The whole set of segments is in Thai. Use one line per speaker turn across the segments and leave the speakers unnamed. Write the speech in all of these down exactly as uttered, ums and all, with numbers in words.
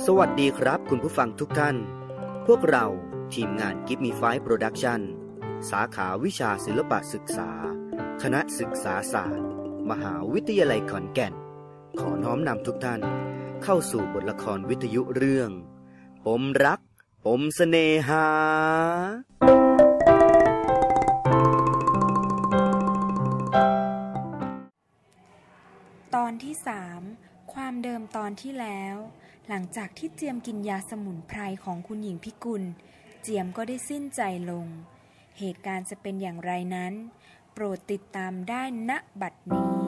สวัสดีครับคุณผู้ฟังทุกท่านพวกเราทีมงาน Give Me Five Production สาขาวิชาศิลปศึกษาคณะศึกษาศาสตร์มหาวิทยาลัยขอนแก่นขอน้อมนำทุกท่านเข้าสู่บทละครวิทยุเรื่องปมรักปมเสน่หา
ตอนที่สามความเดิมตอนที่แล้วหลังจากที่เจียมกินยาสมุนไพรของคุณหญิงพิกุลเจียมก็ได้สิ้นใจลงเหตุการณ์จะเป็นอย่างไรนั้นโปรดติดตามได้ณบัดนี้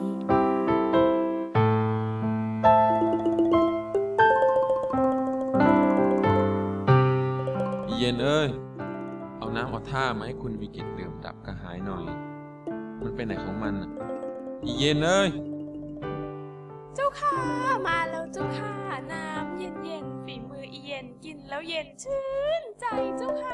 เย็นเอ้ยเอาน้ำเอาท่ามาให้คุณวิกิตดื่มดับกระหายหน่อยมันเป็นไหนของมันอ่ะอีเย็นเอ้ย
เจ้าค่ะมาแล้วเจ้าค่ะน้ำเย็นๆฝีมืออีเย็นกินแล้วเย็นชื่นใจเจ้าค่ะ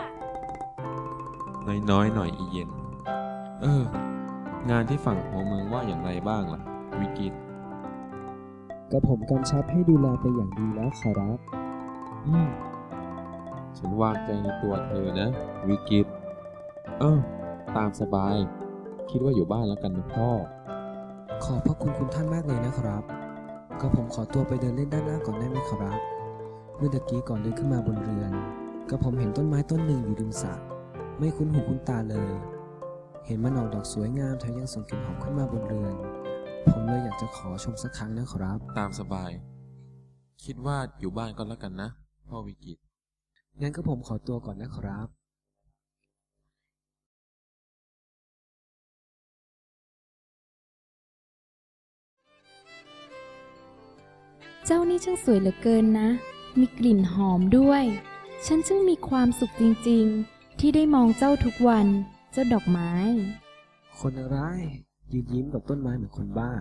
น้อยๆหน่อยอีเย็นเอองานที่ฝั่งหัวเมืองว่าอย่างไรบ้างล่ะวิกิต
ก็ผมกำชับให้ดูแลไปอย่างดีแล้วขอรับ
อืมฉันวางใจในตัวเธอนะวิกิตเออตามสบายคิดว่าอยู่บ้านแล้วกันนะพ่อ
ขอบพระคุณคุณท่านมากเลยนะครับก็ผมขอตัวไปเดินเล่นด้านหน้าก่อนได้ไหมครับเมื่อตะกี้ก่อนเดินขึ้นมาบนเรือนก็ผมเห็นต้นไม้ต้นหนึ่งอยู่ริมสระไม่คุ้นหูคุ้นตาเลยเห็นมันออกดอกสวยงามแถมยังส่งกลิ่นหอมขึ้นมาบนเรือนผมเลยอยากจะขอชมสักครั้งนะครับ
ตามสบายคิดว่าอยู่บ้านก็แล้วกันนะพ่อวิกิต
งั้นก็ผมขอตัวก่อนนะครับ
เจ้านี่ช่างสวยเหลือเกินนะมีกลิ่นหอมด้วยฉันช่างมีความสุขจริงๆที่ได้มองเจ้าทุกวันเจ้าดอกไม้
คนอะไรยืนยิ้มกับต้นไม้เหมือนคนบ้า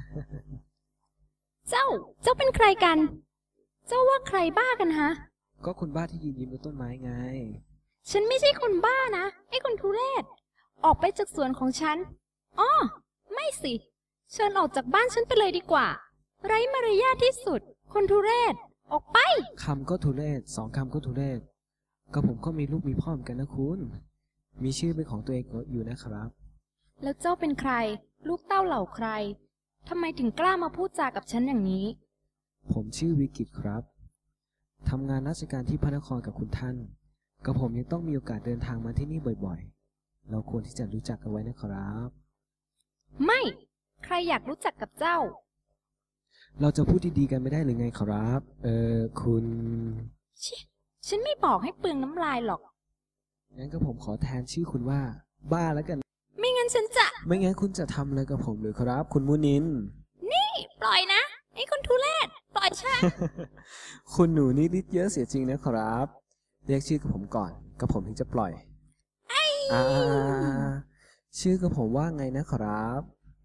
เจ้าเจ้าเป็นใครกันเจ้าว่าใครบ้ากันฮะ
ก็คนบ้าที่ยืนยิ้มกับต้นไม้ไง
ฉันไม่ใช่คนบ้านะไอ้คนทุเรศออกไปจากสวนของฉันอ้อไม่สิเชิญออกจากบ้านฉันไปเลยดีกว่าไร้มารยาทที่สุดคนทุเรศออกไป
คำก็ทุเรศสองคำก็ทุเรศก็ผมก็มีลูกมีพ่อเหมือนกันนะคุณมีชื่อเป็นของตัวเองอยู่นะครับ
แล้วเจ้าเป็นใครลูกเต้าเหล่าใครทำไมถึงกล้ามาพูดจากับฉันอย่างนี้
ผมชื่อวิกิตครับทำงานราชการที่พระนครกับคุณท่านก็ผมยังต้องมีโอกาสเดินทางมาที่นี่บ่อยๆเราควรที่จะรู้จักกันไว้นะครับ
ไม่ใครอยากรู้จักกับเจ้า
เราจะพูดดีๆกันไม่ได้หรือไงครับเออคุณ
ฉันไม่บอกให้เปลืองน้ำลายหรอก
งั้นก็ผมขอแทนชื่อคุณว่าบ้าแล้วกัน
ไม่งั้นฉันจะ
ไม่งั้นคุณจะทำอะไรกับผมหรือครับคุณมุนิน
นี่ปล่อยนะไอ้คนทุเรศปล่อยฉัน
คุณหนูนี่ฤทธิ์เยอะเสียจริงนะครับเรียกชื่อกับผมก่อนกับผมถึงจะปล่อย
ไอ้
อ่าชื่อกับผมว่าไงนะครับ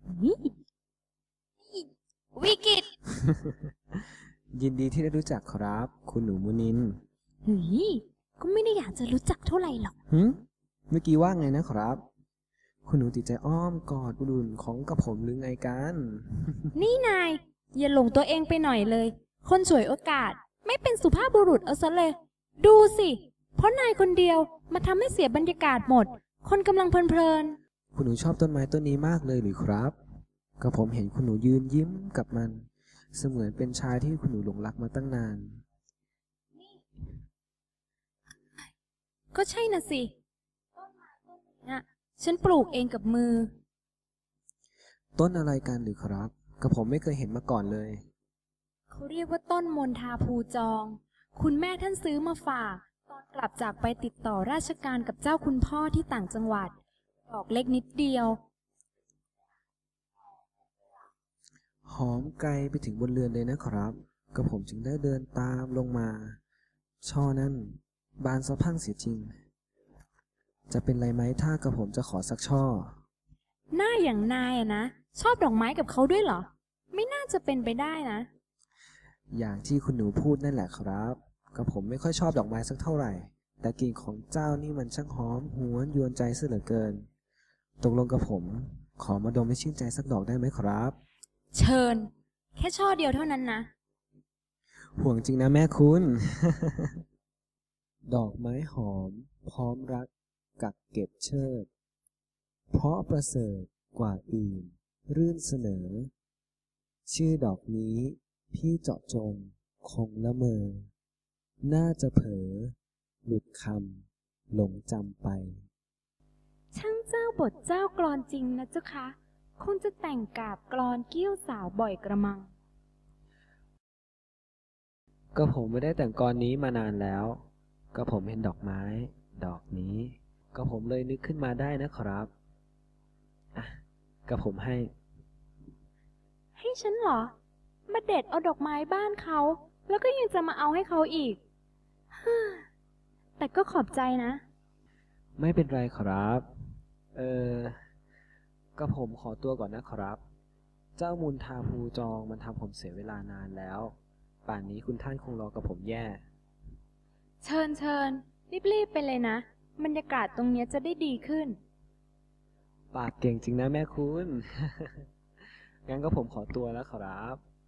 วิกิต
ยินดีที่ได้รู้จักครับคุณหนูมุนิน
เฮ้ยก็ไม่ได้อยากจะรู้จักเท่าไหร่หรอก
หึเมื่อกี้ว่าไงนะครับคุณหนูติดใจอ้อมกอดบุรุษของกับผมหรือไงกัน
นี่นายอย่าหลงตัวเองไปหน่อยเลยคนฉวยโอกาสไม่เป็นสุภาพบุรุษเอาซะเลยดูสิเพราะนายคนเดียวมาทำให้เสียบรรยากาศหมดคนกำลังเพลิน
ๆคุณหนูชอบต้นไม้ต้นนี้มากเลยหรือครับก็ผมเห็นคุณหนูยืนยิ้มกับมันเสมือนเป็นชายที่คุณหนูหลงรักมาตั้งนาน
ก็ใช่น่ะสิต้นไม้ต้นนี้ฉันปลูกเองกับมือ
ต้นอะไรกันหรือครับก็ผมไม่เคยเห็นมาก่อนเลย
เขาเรียกว่าต้นมณฑาภูจองคุณแม่ท่านซื้อมาฝากตอนกลับจากไปติดต่อราชการกับเจ้าคุณพ่อที่ต่างจังหวัดดอกเล็กนิดเดียว
หอมไกลไปถึงบนเรือนเลยนะครับก็ผมจึงได้เดินตามลงมาช่อนั้นบานสะพั่งเสียจริงจะเป็นไรไหมถ้ากระผมจะขอสักช่อ
หน้าอย่างนายอะนะชอบดอกไม้กับเขาด้วยเหรอไม่น่าจะเป็นไปได้นะ
อย่างที่คุณหนูพูดนั่นแหละครับก็ผมไม่ค่อยชอบดอกไม้สักเท่าไหร่แต่กลิ่นของเจ้านี่มันช่างหอมหวนยวนใจซะเหลือเกินตกลงกับผมขอมาดมให้ชื่นใจสักดอกได้ไหมครับ
เชิญแค่ช่อเดียวเท่านั้นนะ
ห่วงจริงนะแม่คุณ ดอกไม้หอมพร้อมรักกักเก็บเชิด เพราะประเสริฐกว่าอื่นรื่นเสนอ ชื่อดอกนี้พี่เจาะจงคงละเมอ น่าจะเผลอหลุดคำหลงจำไป
ช่างเจ้าบทเจ้ากลอนจริงนะเจ้าคะคงจะแต่งกาบกลอนเกี้ยวสาวบ่อยกระมัง
ก็ผมไม่ได้แต่งกลอนนี้มานานแล้ว ก็ผมเห็นดอกไม้ ดอกนี้ ก็ผมเลยนึกขึ้นมาได้นะครับอ่ะก็ผมให้
ให้ฉันเหรอ มาเด็ดเอาดอกไม้บ้านเขา แล้วก็ยังจะมาเอาให้เขาอีก ฮ่าแต่ก็ขอบใจนะ
ไม่เป็นไรครับ เออก็ผมขอตัวก่อนนะครับ เจ้ามูลทาภูจองมันทำผมเสียเวลานานแล้ว ป่านนี้คุณท่านคงรอกับผมแย่
เชิญเชิญรีบๆไปเลยนะ บรรยากาศตรงเนี้ยจะได้ดีขึ้น
ปากเก่งจริงนะแม่คุณ งั้นก็ผมขอตัวแล้วครับ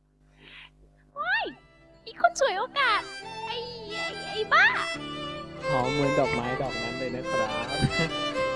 อีกคนฉวยโอกาส ไอ้ไอ้ไอ้บ้า
หอมเหมือนดอกไม้ดอกนั้นเลยนะครับ